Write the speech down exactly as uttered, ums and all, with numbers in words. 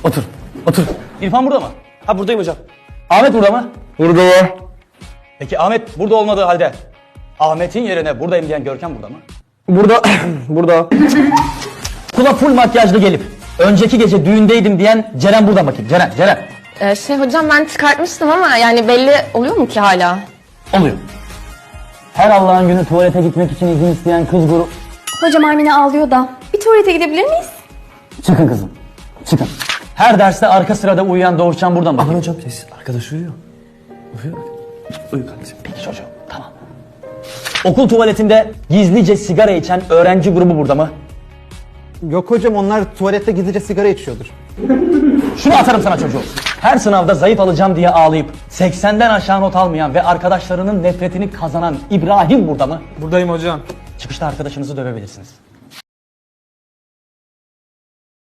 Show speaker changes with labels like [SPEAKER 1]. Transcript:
[SPEAKER 1] Otur. Otur. İrfan burada mı?
[SPEAKER 2] Ha buradayım hocam.
[SPEAKER 1] Ahmet burada mı?
[SPEAKER 3] Burada var.
[SPEAKER 1] Peki Ahmet burada olmadığı halde Ahmet'in yerine buradayım diyen Görkem burada mı?
[SPEAKER 3] Burada. Burada.
[SPEAKER 1] Kula full makyajlı gelip önceki gece düğündeydim diyen Ceren burada mı bakayım? Ceren, Ceren.
[SPEAKER 4] Ee, şey hocam ben çıkartmıştım ama yani belli oluyor mu ki hala?
[SPEAKER 1] Oluyor. Her Allah'ın günü tuvalete gitmek için izin isteyen kız grubu...
[SPEAKER 5] Hocam Armine ağlıyor da. Bir tuvalete gidebilir miyiz?
[SPEAKER 1] Çıkın kızım. Çıkın. Her derste arka sırada uyuyan Doğuşcan buradan bakayım.
[SPEAKER 2] Aman hocam sessiz. Arkadaş uyuyor. Uyuyor. Uyu kardeşim.
[SPEAKER 1] Peki çocuğum, tamam. Okul tuvaletinde gizlice sigara içen öğrenci grubu burada mı?
[SPEAKER 3] Yok hocam, onlar tuvalette gizlice sigara içiyordur.
[SPEAKER 1] Şunu atarım sana çocuğum. Her sınavda zayıf alacağım diye ağlayıp seksenden aşağı not almayan ve arkadaşlarının nefretini kazanan İbrahim burada mı?
[SPEAKER 2] Buradayım hocam.
[SPEAKER 1] Çıkışta arkadaşınızı dövebilirsiniz.